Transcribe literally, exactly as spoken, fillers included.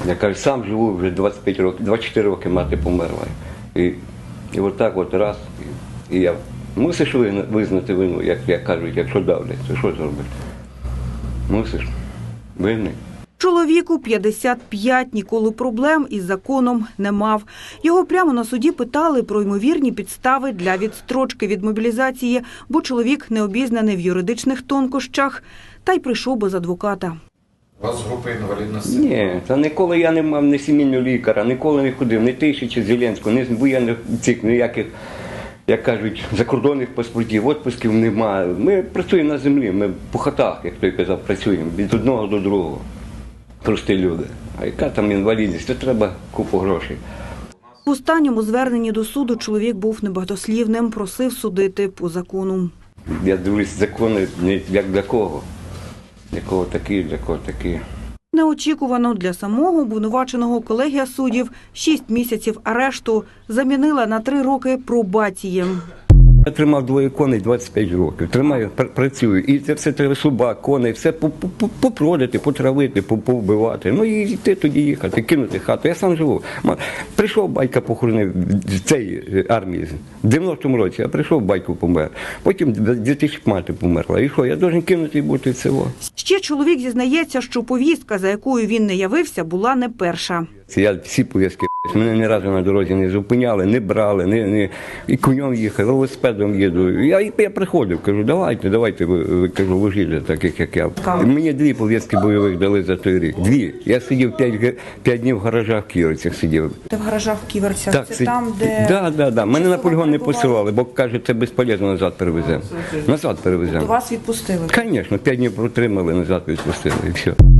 Я кажу, сам живу вже двадцять п'ять років, двадцять чотири роки мати померла. І, і отак от раз, і, і я мусиш визнати вину, як, як кажуть, якщо давлять, то що зробити? Мусиш, винний. Чоловіку п'ятдесят п'ять, ніколи проблем із законом не мав. Його прямо на суді питали про ймовірні підстави для відстрочки від мобілізації, бо чоловік не обізнаний в юридичних тонкощах, та й прийшов без адвоката. У вас група інвалідності? Ні, та ніколи я не мав ні сімейного лікаря, ніколи не ходив, ні тисячі Зеленського, ні воєнних цих, ніяких, як кажуть, закордонних паспортів, відпусків немає. Ми працюємо на землі, ми по хатах, як той казав, працюємо від одного до другого. Прості люди. А яка там інвалідність, то треба купу грошей. В останньому зверненні до суду чоловік був небагатослівним, просив судити по закону. Я дивлюсь, закони не як для кого. Для кого такі, для кого такі. Неочікувано для самого обвинуваченого колегія суддів шість місяців арешту замінила на три роки пробації. Я тримав двоє коней двадцять п'ять років, тримаю, пр- працюю. І це все треба собак, коней, все попродати, потравити, повбивати. Ну і йти тоді їхати, кинути хату. Я сам живу. Прийшов батька похоронив з цієї армії. В дев'яностому році я прийшов, батько помер. Потім дві тисячі мати померла. І що, я должен кинути і бути в село. Ще чоловік зізнається, що повістка, за якою він не явився, була не перша. Я всі пов'язки, мене ні разу на дорозі не зупиняли, не брали, не, не, і конем їхав, велосипедом їду. Я, я приходив, кажу, давайте, давайте, ви, ви кажу, вожілля, таких як я. Мені дві пов'язки бойових дали за той рік. Дві. Я сидів п'ять, п'ять днів в гаражах в Ківерцях сидів. Ти в гаражах в Ківерцях? Так, це там, де... Так, так, так. Мене на полігон не посилали, бо, каже, це безполезно, назад перевеземо. Назад перевеземо. То вас відпустили? Звісно, п'ять днів протримали, назад відпустили і все.